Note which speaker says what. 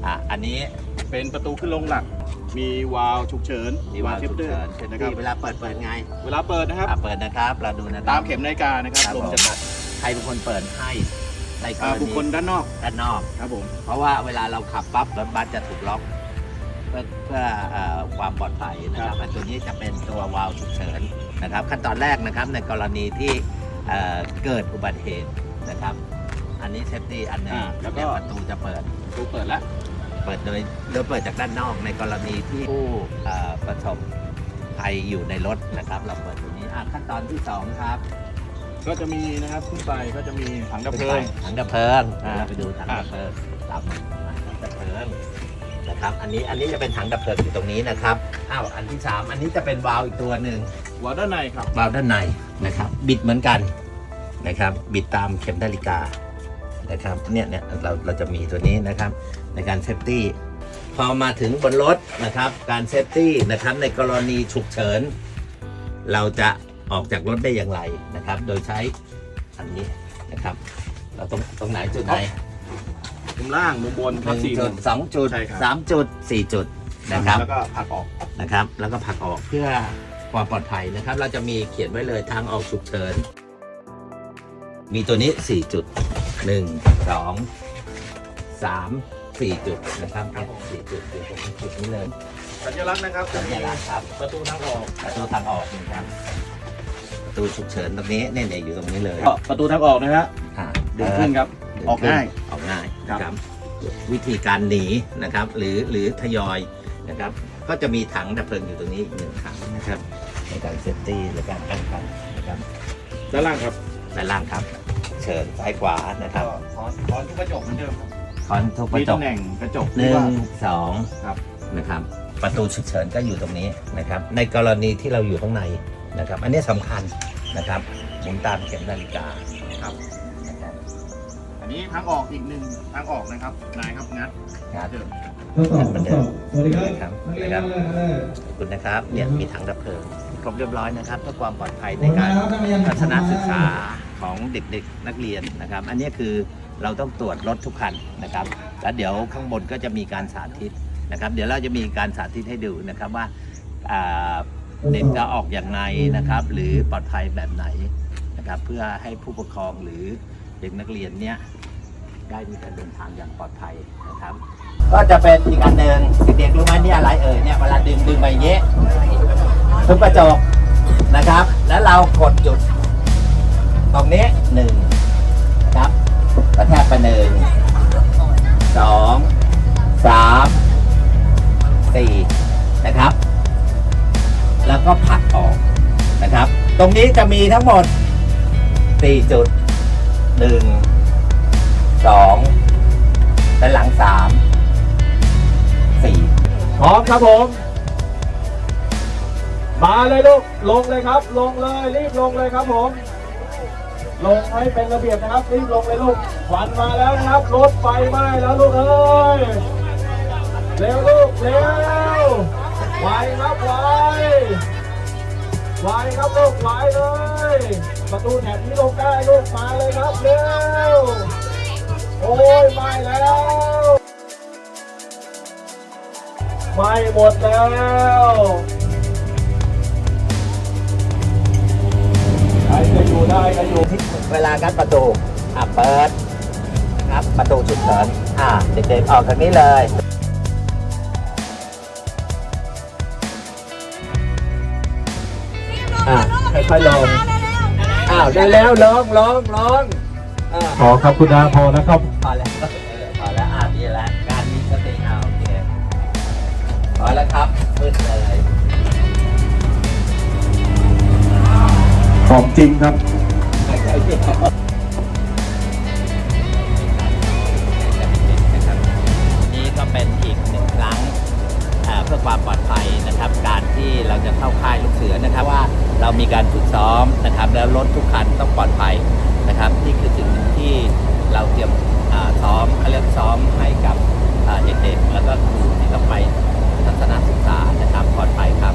Speaker 1: อันนี้
Speaker 2: เป็นประตูขึ้นลงหลักมีวาล์วฉุกเฉิน
Speaker 1: มีวาล์วฉุกเฉินนะครับเวลาเปิดไง
Speaker 2: เวลาเปิดนะครับ
Speaker 1: เปิดนะครับเราดูนะครับ
Speaker 2: ตามเข็มนาฬิกานะครับลมจะตัด
Speaker 1: ใครเป็นคนเปิดให้ในกรณี
Speaker 2: บุคคลด้านนอกครับผม
Speaker 1: เพราะว่าเวลาเราขับปั๊บรถบัสจะถูกล็อกเพื่อความปลอดภัยนะครับตัวนี้จะเป็นตัววาล์วฉุกเฉินนะครับขั้นตอนแรกนะครับในกรณีที่เกิดอุบัติเหตุนะครับอันนี้เซฟตี้อันนึงแล้วก็ประตูจะเปิด
Speaker 2: แล้ว
Speaker 1: เปิดโดยเปิดจากด้านนอกในกรณีที่ผู้ประสบภัยอยู่ในรถนะครับเราเปิดตัวนี้ขั้นตอนที่2ครับ
Speaker 2: ก็จะมีนะครับขึ้นไปก็จะมีถังดับเพลิง
Speaker 1: เราไปดูถังดับเพลิงตามถังดับเพลิงนะครับอันนี้จะเป็นถังดับเพลิงอยู่ตรงนี้นะครับอันที่3อันนี้จะเป็นวาล์วอีกตัวหนึ่ง
Speaker 2: วาล์วด้านในครับ
Speaker 1: วาล์วด้านในนะครับบิดเหมือนกันนะครับบิดตามเข็มนาฬิกานะครับเนี่ยเราจะมีตัวนี้นะครับในการเซฟตี้พอมาถึงบนรถนะครับการเซฟตี้นะครับในกรณีฉุกเฉินเราจะออกจากรถได้อย่างไรนะครับโดยใช้อันนี้นะครับเราตรงไหนจุดไหน
Speaker 2: มุมล่างมุมบน
Speaker 1: 1 จุด 2 จุด 3 จุด 4 จุดนะครับ
Speaker 2: แล้วก็ผลักออก
Speaker 1: นะครับแล้วก็ผลักออกเพื่อความปลอดภัยนะครับเราจะมีเขียนไว้เลยทางออกฉุกเฉินมีตัวนี้4 จุด1 2 3 4 จุดนะครับ4 จุดอยู่ตรงจุดนี้เลย
Speaker 2: สัญลักษณ์นะครับ
Speaker 1: สัญลักษณ์ครับ
Speaker 2: ประตูทางออก
Speaker 1: นะครับประตูฉุกเฉินตรงนี้เนี่ยอยู่ตรงนี้เลย
Speaker 2: ประตูทางออกนะฮะดึงขึ้นครับออกง่าย
Speaker 1: ครับวิธีการหนีนะครับหรือทยอยนะครับก็จะมีถังดับเพลิงอยู่ตรงนี้อีก1 ถังนะครับในการเซฟตี้และการป้องกันนะครับ
Speaker 2: ด้านล่างครับ
Speaker 1: เชิญซ้ายขวานะครับ
Speaker 2: คอนทุกกระจกเหมือนเดิมครับ
Speaker 1: คอนทุกกระจก
Speaker 2: มีตำแหน่งกระจก
Speaker 1: 1 2ครับนะครับประตูฉุกเฉินก็อยู่ตรงนี้นะครับในกรณีที่เราอยู่ข้างในนะครับอันนี้สำคัญนะครับหมุนตามเข็มนาฬิกา
Speaker 2: ครับอันนี้ทางออกอีก1ทางออกนะครับนายครับงัด
Speaker 1: เดิมเหมือนเดิมสวัสดีครับขอบคุณนะครับเนี่ยมีถังดับเพลิงครบเรียบร้อยนะครับเพื่อความปลอดภัยในการทัศนศึกษาของเด็กๆนักเรียนนะครับอันนี้คือเราต้องตรวจรถทุกคันนะครับแล้วเดี๋ยวข้างบนก็จะมีการสาธิตนะครับเดี๋ยวเราจะมีการสาธิตให้ดูนะครับว่าเด็กจะออกอย่างไรนะครับหรือปลอดภัยแบบไหนนะครับเพื่อให้ผู้ปกครองหรือเด็กนักเรียนเนี่ยได้มีการเดินทางอย่างปลอดภัยนะครับก็จะเป็นอีกอันหนึ่งเด็กๆรู้ไหมนี่อะไรเนี่ยเวลาดึงไปเงี้ยทุบกระจกนะครับแล้วเรากดจุดตรงนี้1ครับกระแทกไป1 2 3 4นะครับแล้วก็ผลักออกนะครับตรงนี้จะมีทั้งหมด4 จุด1 2ด้านหลัง3 4
Speaker 2: พร้อมครับผมมาเลยลูกลงเลยครับลงเลยรีบลงเลยครับผมลงให้เป็นระเบียบนะครับรีบลงเลยลูกควันมาแล้วนะครับรถไฟไหม้แล้วลูกเอ้ยเร็วลูกเร็วไวครับไวครับลูกไวเลยประตูแถบนี้ลงได้ลูกมาเลยครับเร็วโอ้ยไหม้แล้วไหม้หมดแล้วใครจะอยู่ได้ก็อยู่
Speaker 1: ที่เวลางัดประตูเปิดครับประตูฉุกเฉินเด็กๆออกทางนี้เลยค่อยๆลงได้แล้วลง
Speaker 2: ขอครับคุณดาพอแล้วครับ
Speaker 1: พอแล้วดีแล้วการมีสติโอเคพอแล้วครับมืดเลย
Speaker 2: ของจริงครับ
Speaker 1: นี่ก็เป็นอีก1 ครั้งเพื่อความปลอดภัยนะครับการที่เราจะเข้าค่ายลูกเสือนะครับว่าเรามีการฝึกซ้อมนะครับแล้วรถทุกคันต้องปลอดภัยนะครับนี่คือสิ่งหนึ่งที่เราเตรียมซ้อมเขาเรียกซ้อมให้กับเด็กๆแล้วก็ครูที่ต้องไปทัศนศึกษานะครับปลอดภัยครับ